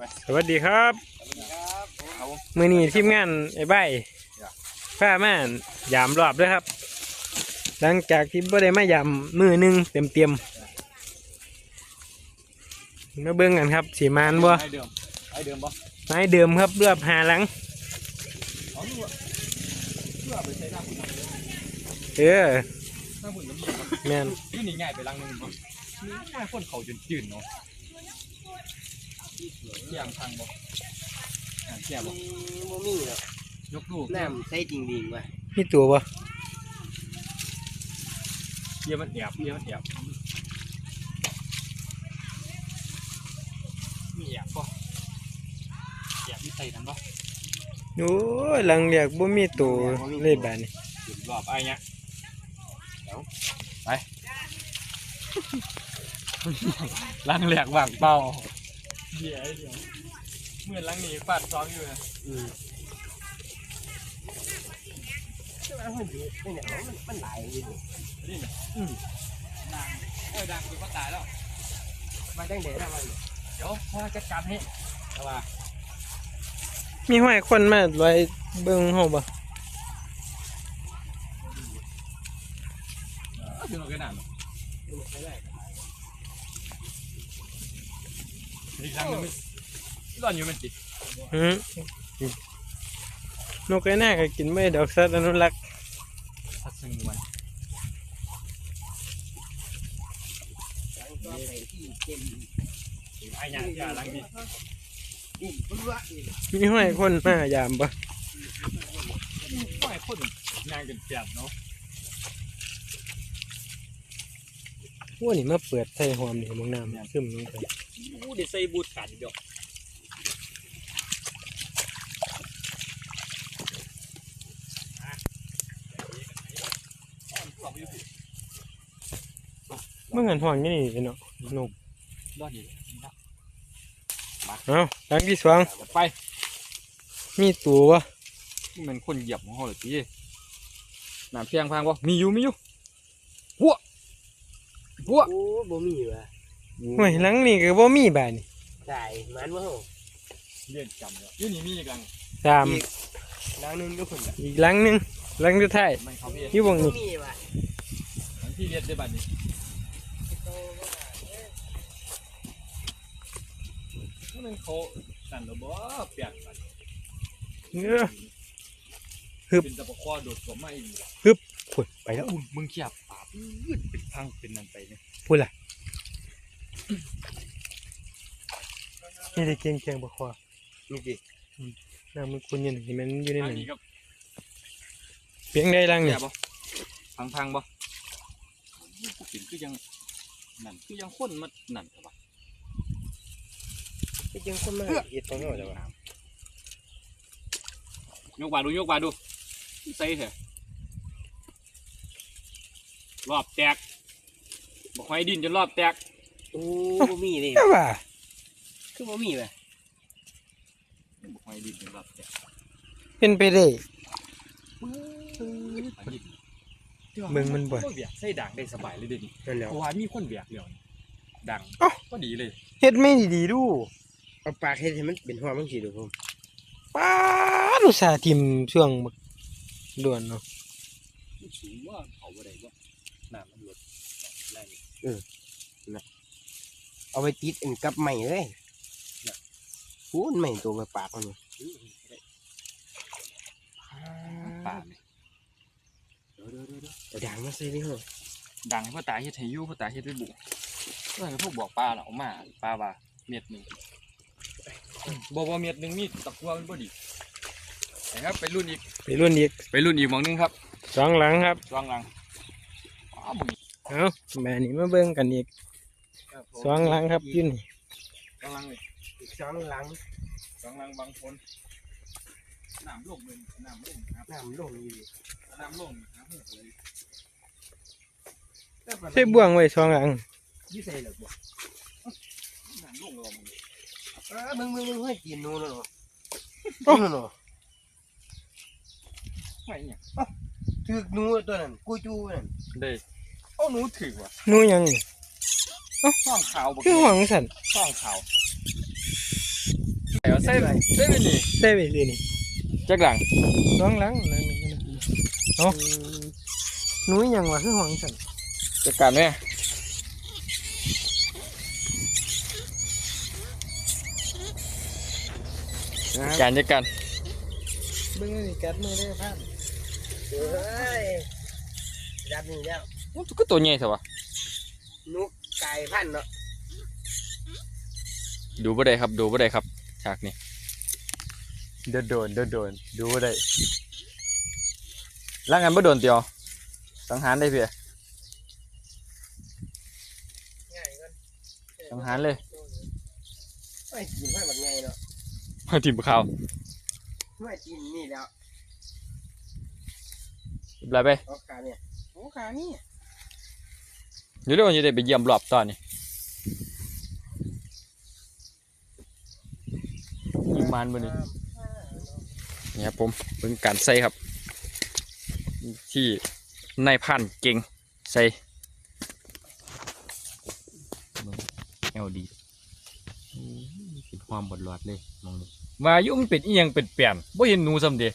สวัสดีครับมื้อนี้ทีมงานไอ้ใบผ้ามายามรอบด้วยครับ หลังจากที่บ่ได้มายามมื้อนึงเต็มมาเบิ่งกันครับสีมานบ่ไอเดิมบ่ไม้เดิมครับรอบ5หลังแม่นนี่นี่ง่ายไปลังนึงบ่ง่ายคนเขาจนจืดเนาะเที่ยงทางบ่เที่ยงบ่มีหรอกยกลูกน้ำใส่จริงดีว่ะมีตัวบ่เยี่ยมันแอบมีแอบบ่แอบมีใส่นั่นบ่โอ้ยหลังเรียกบ่มีตัวเลยบาดนี้รอบไอ้เนี้ยไปลังแหลกว่างเป้าเดี๋ยวเมื่อลังนี้ฟาดซ้อมอยู่นะมันหลายเลยนี่นะดังคือก็ตายแล้วมาตั้งแต่ละวันเดี๋ยวพ่อจัดการให้เอาว่ามีห้อยคนมาไว้เบิ่งเฮาบ่ถึงเราแค่นั้นอีกครั้งนึงร้อนอยู่มันติดนกไอ้หน้าก็กินไม่ดอกสัตว์อนุรักษ์สัตว์สงวนไอ้ยาลังดีมีห้อยคนมายามบ่ห้อยคนงานกันแก่เนาะพวกนี้มาเปิดใส่หอมนี่มึงน้ำซึมลงไปเดี๋ยวใส่บูทขาดเดียวเมื่อเงินห่วงนี่เนาะนกรอดอยู่เอาหลังที่สองไปมีตัววะนี่มันคนเหยียบของเขาเลยพี่น้ำเพียงพังวะมีอยู่พวกโอ้บ่มีว่ะเฮ้ยหลังนี่ก็บ่มีบาดนี่ใช่มันว่าเรียนจำเลยยี่นี่มีกัน 3 หลังนึงก็คนอีกหลังนึงหลังสุดท้ายอยู่บ่นี่ที่เรียนได้บัดนี้มันเขาสั่นระบบเปียกบัดฮึบเป็นตะปะคอโดดกว่าไม่ฮึบพุ่นไปแล้วมึงเขียบปาบเป็นพังเป็นนั่นไปเนี่ยพุ่นล่ะนี่ได้เก่งๆบ่คอนี่ดิน้ำมันคุณอยู่นี่มันอยู่ในนั้นเพียงได้ลังนี่พังบ่กินคือยังนั่นคือยังข้นมานั่นแต่ว่าคือยังคนมาเฮ็ดของเราแต่ว่ายกบาดูใส่เถอะรอบแตกบอกให้ดินจนรอบแตกโอ้บ่มีเลยว่าคือบ่มีว่ะบอกให้ดินจนรอบแตกเป็นไปได้เมืองมันบ่เบียกใส่ด่างได้สบายเลยเดี๋ยวนี้เพราะว่ามีคนเบียกเดียวดังก็ดีเลยเฮ็ดไม่ดีดูเอาปากเฮ็ดให้มันเป็นหัวมันสิดูผมป้าอุตส่าห์ทิ่มช่วงด่วนเนาะสูงว่าเขาบ่ได้ว่าน้ำมันลดแรงนะเอาไปติดอันกับใหม่เลยพูนใหม่ตัวปากมันป่าดังมาใส่นี่เหรอดังพ่อตาเฮ็ดให้ยู่พ่อตาเฮ็ดไปบุกเพื่อนพวกบอกปลาเอามาปลาว่าเม็ดหนึ่งบอกว่าเม็ดหนึ่งมีตะกั่วมันบ่ดีนะครับไปรุ่นอีกมองนึงครับ 2หลังครับ 2หลังเอาแม่นี่มาเบิ่งกันอีก2หลังครับอยู่นี่ 2หลังเลย 2หลังบางคนน้ำลงเลยน้ำลงครับน้ำลงอยู่น้ำลงครับใส่บ่วงไว้2หลังยี่ใส่เหรอบ่น้ำลงลงมึงให้กินนู่นเนาะเนาะไม่เนี่ยถือหนูตัวนั้นกูจูนั่นเด้เอาหนูถือว่ะหนูยังนี่ห้องขาวคือห้องสั่นห้องขาวเอาใส่ไปนี่ได้ไปสินี่จักหลังน้องหลังนั่นเอาหนูยังว่าคือห้องฉันจัดการแม่จัดการเบิ่งนี่กัดมือได้พันเฮ้ยจับนี่แล้วมันก็ตัวใหญ่สิวะนุกไก่พันเนาะดูบ่ได้ครับดูบ่ได้ครับฉากนี้โดนดูบ่ได้ล่างกันบ่โดนเตียวสังหารได้เพียง่ายก่อนสังหารเลยไม่กินให้แบบไงเนาะมาทีมข่าวไม่กินนี่แล้วอะไรไปเอาขาเนี่ยโอ้ขานี่เดี๋ยวเร็วจะได้ไปเยี่ยมรอบตอนนี้ยิงมันบ่นี่เนี่ยครับผมเป็นการใส่ครับ ที่นายพันเก่งใส่เอลดีเป็นความบดหลอดเลยมองดูว่ายุ่มันเป็นอีหยังเป็นเปลี่ยนบ่เห็นหนูซ้ำเดี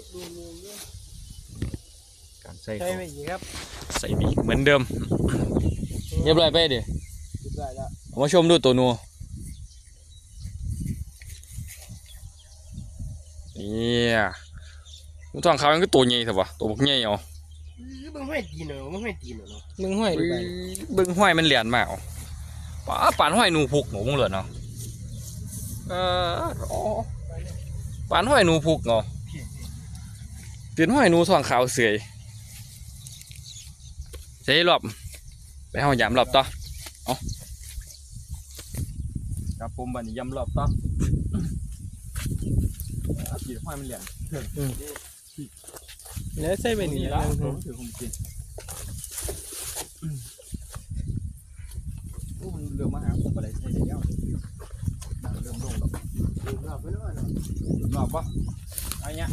การใส่ใช่เขาไหมอีกครับใส่บีเหมือนเดิมเรียบร้อยไปดิได้แล้วเอามาชมดูตัวหนูเนี่ยมันทองเขามันก็ตัวใหญ่สิวะตัวบักใหญ่เอามึงไม่ตีนเหรอมึงไม่ตีนเหรอมึงห้อยดูไปเบิ้งห้อยมันเหรียญมากเอาปานห้อยหนูพุกหนูมึงเหลือเนาะอ๋อปานห้อยหนูพุกเนาะเปลี่ยนห้อยหนูทองขาวเสื่อยใช้รอบไปห้องยำรอบต่อเอาครับผมบันนี้ยำรอบต่อเปลี่ยนห้อยมันเหรียญแล้วใส่ไปนี่แล้แล้ว วผมถือผมกินมันเริ่มมาหาผมอะไรใช่แล้วเริ่มลงแล้วรอบไม่รู้เนาะรอบปะอะไรเงี้ย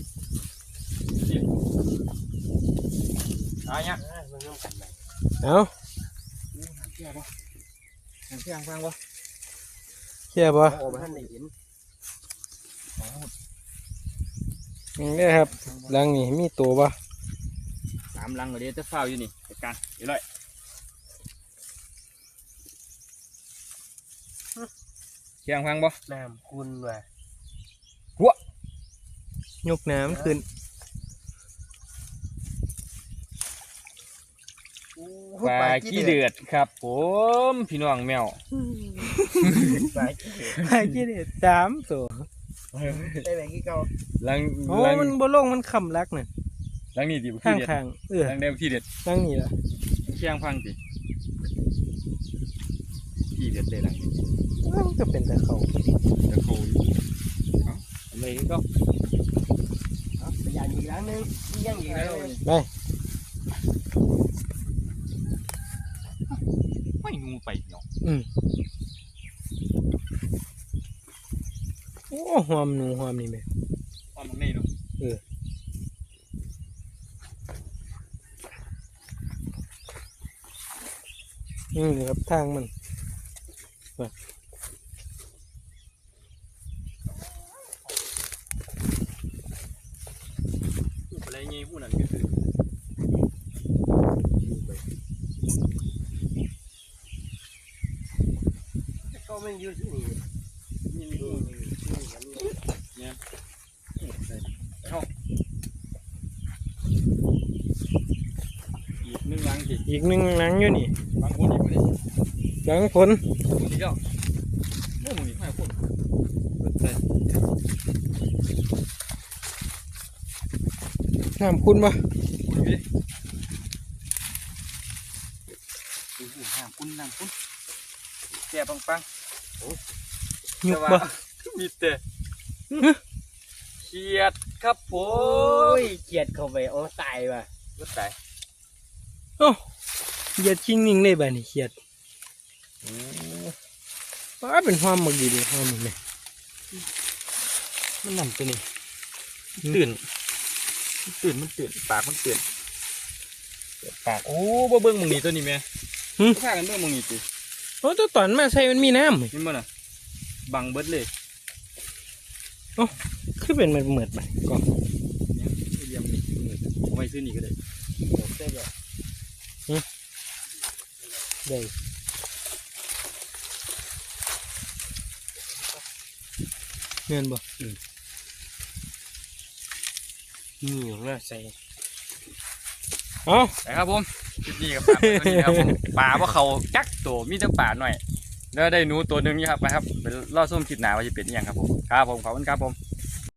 อะไรเงี้ยมึงต้องกันไหนเอาเที่ยงปะเที่ยงฟังปะเชี่ยบ่โอ้มาท่านได้เห็นนี่ครับหลังนี่มีตัวบ่สามลังเลยจะเฝ้าอยู่นี่จัดการเดี๋ยวเลยเที่ยงฟังปะน้ำคุณว่ะยกน้ำขึ้นปลาขี้เดือดครับผมพี่น้องแมวปลาขี้เดือดไอ้กี่เด็ดสามตัวได้แบบกี่เก่าลังโอ้ลังมันบ่ลงมันคำรักน่ะลังนี่ดีขี้ข้างเด็ดข้างๆลังเดียวขี้เด็ดตั้งนี่ล่ะเที่ยงฟังสิขี้เด็ดเลยลังนี้มันก็เป็นแต่เขาจะโคยอะไรก็พยานอีกครั้งนึงยังอีกแล้วไปไม่งูไปเนาะโอ้หอมหนูหอมนี่แม่ความมันไม่เนาะนี่ครับทางมันอะไรเงี้ยพูดนั่นก็คือก็ไม่ยืดที่นี่นี่งูเนี่ยเข้าอีกหนึ่งลังสิอีกหนึ่งหลังอยู่นี่บางคนอีกเลยหลังฝนอีกแล้วโอ้มึงนี่5 คนใส่น้ำคุณบ่อยู่ดิน้ำคุณแก่ปังยุกบ่มีแต่เขียดครับผโอ้มยเกียดเข้าไปโอ้ตายว่ะรถไก่โอ้เหยียดชิงนิ่งเลยบ่นี่เขียดป้าเป็นหอมบักดีเลยหอมนี่แม่มันนั่นตัวนี้ตื่นมันตื่นปากมันตื่นปากโอ้บ่เบิ่งมึงนี่ตัวนี้แม่พากันเบิ่งมึงนี่ติโอ้ตัวตอนมาใส่มันมีน้ำเว้ยนี่มันน่ะบังเบิดเลยคือเป็นมันเหมือดไปก่อนเนี่ยเยี่ยมนี่เอาไว้ซื้อนี่ก็ได้ได้แบบได้ เงินบ่นี่ของเราใส่เอ้านะครับผมคลิปนี้กับปลาตัวนี้นะครับผมปลาว่าเขาจักตัวมีแต่ปลาหน่อยแล้วได้หนูตัวหนึ่งนี่ครับไปครับเป็นล่อส้มคลิปหนาว่าจะเป็นอหย่างครับผมครับผมขอบคุณครับผม